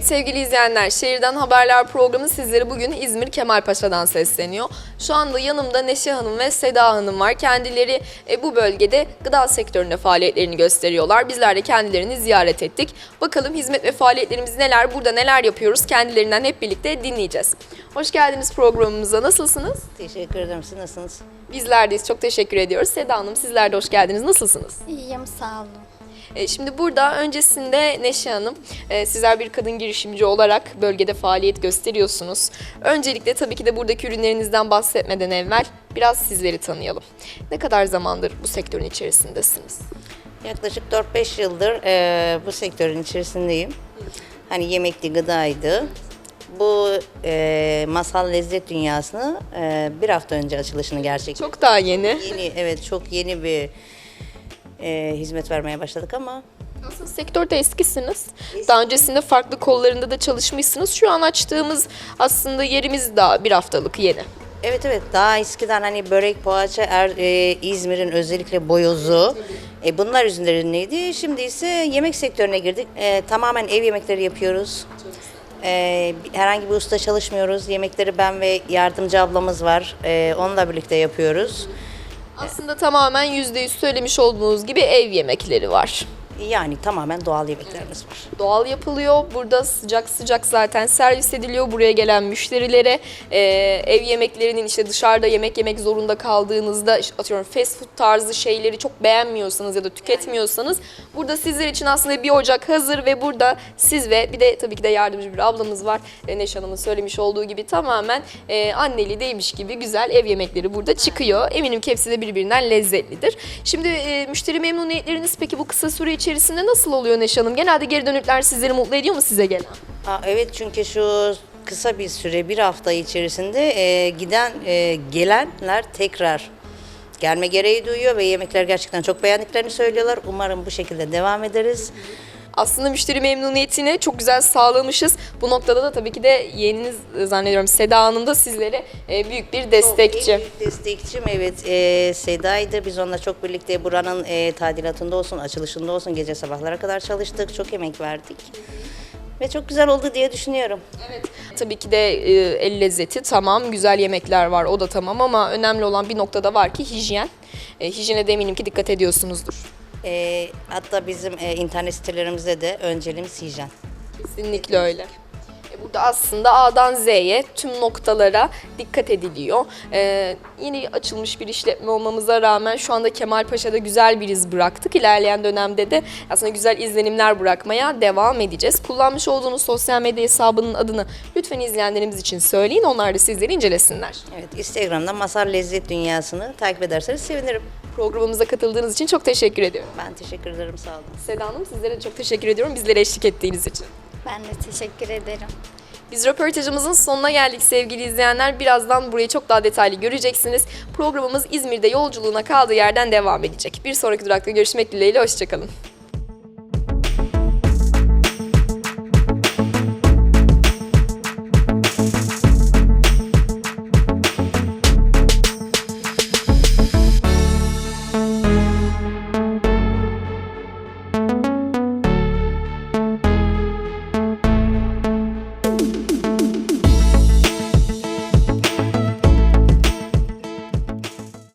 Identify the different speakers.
Speaker 1: Evet sevgili izleyenler, Şehirden Haberler programı sizlere bugün İzmir Kemalpaşa'dan sesleniyor. Şu anda yanımda Neşe Hanım ve Seda Hanım var. Kendileri bu bölgede gıda sektöründe faaliyetlerini gösteriyorlar. Bizler de kendilerini ziyaret ettik. Bakalım hizmet ve faaliyetlerimiz neler, burada neler yapıyoruz kendilerinden hep birlikte dinleyeceğiz. Hoş geldiniz programımıza. Nasılsınız?
Speaker 2: Teşekkür ederim. Siz nasılsınız?
Speaker 1: Bizler deyiz. Çok teşekkür ediyoruz. Seda Hanım sizler de hoş geldiniz. Nasılsınız?
Speaker 3: İyiyim, sağ olun.
Speaker 1: Şimdi burada öncesinde Neşe Hanım, sizler bir kadın girişimci olarak bölgede faaliyet gösteriyorsunuz. Öncelikle tabii ki de buradaki ürünlerinizden bahsetmeden evvel biraz sizleri tanıyalım. Ne kadar zamandır bu sektörün içerisindesiniz?
Speaker 2: Yaklaşık 4-5 yıldır bu sektörün içerisindeyim. Hani yemekli, gıdaydı. Bu masal lezzet dünyasını bir hafta önce açılışını gerçekleştirdik.
Speaker 1: Çok daha yeni.
Speaker 2: Evet, çok yeni bir hizmet vermeye başladık ama
Speaker 1: Aslında sektörde eskisiniz. Daha öncesinde farklı kollarında da çalışmışsınız. Şu an açtığımız aslında yerimiz daha bir haftalık yeni.
Speaker 2: evet daha eskiden hani börek, poğaça, İzmir'in özellikle boyozu bunlar üzerindeydi. Şimdi ise yemek sektörüne girdik. Tamamen ev yemekleri yapıyoruz. Herhangi bir usta çalışmıyoruz. Yemekleri ben ve yardımcı ablamız var. Onunla birlikte yapıyoruz.
Speaker 1: Aslında tamamen %100 söylemiş olduğunuz gibi ev yemekleri var.
Speaker 2: Yani tamamen doğal yemeklerimiz var.
Speaker 1: Doğal yapılıyor. Burada sıcak sıcak zaten servis ediliyor buraya gelen müşterilere. Ev yemeklerinin işte dışarıda yemek yemek zorunda kaldığınızda atıyorum fast food tarzı şeyleri çok beğenmiyorsanız ya da tüketmiyorsanız burada sizler için aslında bir ocak hazır ve burada siz ve bir de tabii ki de yardımcı bir ablamız var. Neşe Hanım'ın söylemiş olduğu gibi tamamen anneli değilmiş gibi güzel ev yemekleri burada çıkıyor. Eminim ki hepsi de birbirinden lezzetlidir. Şimdi müşteri memnuniyetleriniz peki bu kısa süre içerisinde nasıl oluyor Neşe Hanım? Genelde geri dönütler sizleri mutlu ediyor mu size gelen?
Speaker 2: Evet, çünkü şu kısa bir süre, bir hafta içerisinde gelenler tekrar gelme gereği duyuyor ve yemekler gerçekten çok beğendiklerini söylüyorlar. Umarım bu şekilde devam ederiz.
Speaker 1: Aslında müşteri memnuniyetini çok güzel sağlamışız. Bu noktada da tabii ki de yeğeniniz zannediyorum Seda Hanım da sizlere büyük bir destekçi.
Speaker 2: En büyük destekçim evet Seda'ydı. Biz onunla çok birlikte buranın tadilatında olsun, açılışında olsun gece sabahlara kadar çalıştık. Çok emek verdik. Ve çok güzel oldu diye düşünüyorum.
Speaker 1: Evet. Tabii ki de el lezzeti tamam, güzel yemekler var o da tamam ama önemli olan bir noktada var ki hijyen. Hijyene de eminim ki dikkat ediyorsunuzdur.
Speaker 2: Hatta bizim internet sitelerimizde de önceliğimiz hijyen.
Speaker 1: Kesinlikle öyle. Burada aslında A'dan Z'ye tüm noktalara dikkat ediliyor. Yeni açılmış bir işletme olmamıza rağmen şu anda Kemalpaşa'da güzel bir iz bıraktık. İlerleyen dönemde de aslında güzel izlenimler bırakmaya devam edeceğiz. Kullanmış olduğunuz sosyal medya hesabının adını lütfen izleyenlerimiz için söyleyin. Onlar da sizleri incelesinler.
Speaker 2: Evet, Instagram'da Masal Lezzet Dünyası'nı takip ederseniz sevinirim.
Speaker 1: Programımıza katıldığınız için çok teşekkür ediyorum.
Speaker 2: Ben teşekkür ederim, sağ olun.
Speaker 1: Seda Hanım sizlere de çok teşekkür ediyorum bizlere eşlik ettiğiniz için.
Speaker 3: Ben de teşekkür ederim.
Speaker 1: Biz röportajımızın sonuna geldik sevgili izleyenler. Birazdan burayı çok daha detaylı göreceksiniz. Programımız İzmir'de yolculuğuna kaldığı yerden devam edecek. Bir sonraki durakta görüşmek dileğiyle, hoşçakalın.